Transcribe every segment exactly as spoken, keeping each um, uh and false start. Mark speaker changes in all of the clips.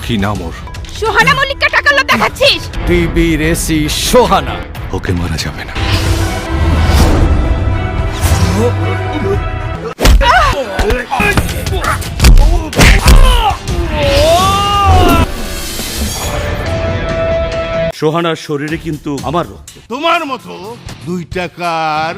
Speaker 1: কি নাম ওর?
Speaker 2: সোহানা মল্লিককে টাকার লোভ দেখাচ্ছিস?
Speaker 1: টিবি রেসি সোহানা। ওকে মারা যাবে না।
Speaker 3: সোহানার শরীরে কিন্তু আমার রক্ত।
Speaker 4: তোমার মতো দুই টাকার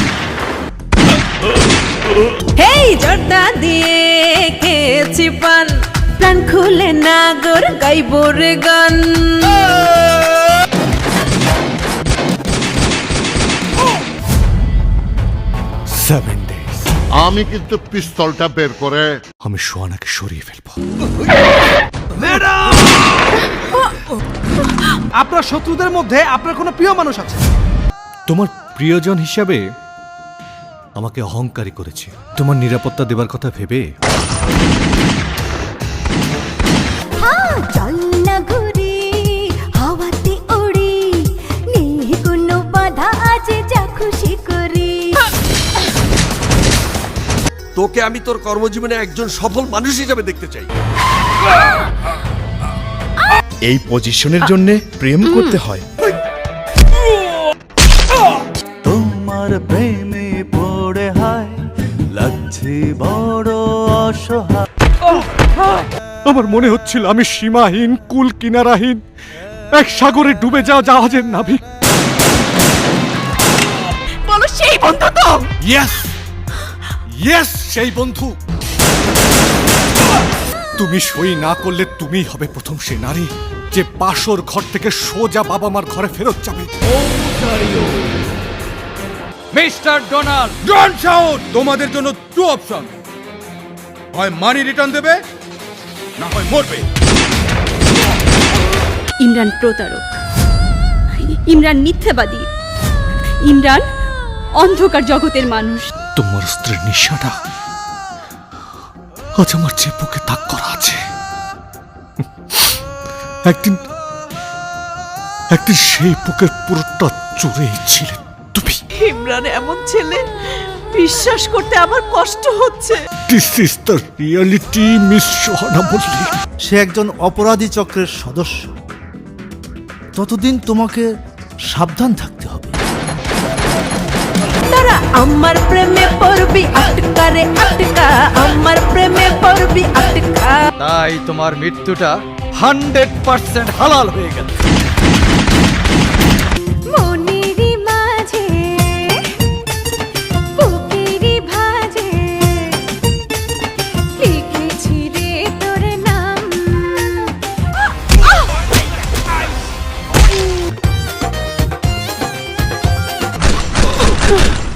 Speaker 5: হেই জর্দা দিয়ে খেয়েছি পান, প্রাণ খুলে নাগর গাইব রে গান।
Speaker 1: Seven days.
Speaker 4: আমি কিন্তু পিস্তলটা বের করে
Speaker 1: আমি সোহানাকে সরিয়ে ফেলবো।
Speaker 6: আপনার শত্রুদের মধ্যে আপনার কোনো প্রিয় মানুষ আছে?
Speaker 1: তোমার প্রিয়জন হিসাবে আমাকে অহংকারী করেছে। তোমার নিরাপত্তা দেবার কথা ভেবে
Speaker 7: চল না ঘুরি হাওয়াতে উড়ি, নেই কোনো বাধা, আজ যা খুশি করি।
Speaker 8: তোকে আমি তোর কর্মজীবনে একজন সফল মানুষ হিসেবে দেখতে চাই।
Speaker 9: এই পজিশনের জন্য প্রেম করতে হয়।
Speaker 10: তোমার প্রেমে পড়ে হয় লাগছে বড় অসহায়।
Speaker 1: আমার মনে হচ্ছিল আমি সীমাহীন, কুল কিনারাহীন এক সাগরে ডুবে যাওয়া জাহাজের নাবিক।
Speaker 2: বলো সেই বন্ধু তো?
Speaker 1: ইয়েস ইয়েস, সেই বন্ধু। তুমি সই না করলে তুমিই হবে প্রথম সে নারী যে পাশর ঘর থেকে সোজা বাবা মার ঘরে ফেরত যাবে।
Speaker 11: Mister Donald, don't shout. তোমাদের জন্য টু অপশন, হয় মানি রিটার্ন দেবে না হয় মরবে।
Speaker 2: ইমরান প্রতারক, ইমরান মিথ্যাবাদী, ইমরান অন্ধকার জগতের মানুষ।
Speaker 1: তোমার স্ত্রীর নিশাটা আজ আমার যে বুকে তাক করা আছে। একদিন একদিন সেই বুকের পুরোটা জুড়েই ছিলে তুমি।
Speaker 5: ইমরান এমন ছেলে, বিশ্বাস করতে আমার কষ্ট হচ্ছে।
Speaker 1: This is the reality, miss Sohana Mallick.
Speaker 10: সে একজন অপরাধী চক্রের সদস্য। ততদিন তোমাকে সাবধান থাকতে হবে।
Speaker 5: তারা আমার প্রেমে পড়বি আটকা রে আটকা, আমার প্রেমে পড়বি আটকা।
Speaker 11: তাই তোমার মৃত্যুটা হান্ড্রেড পার্সেন্ট হালাল হয়ে গেল।
Speaker 7: মনেরই মাঝে বুকেরই ভাঁজে লিখেছি রে তোর নাম।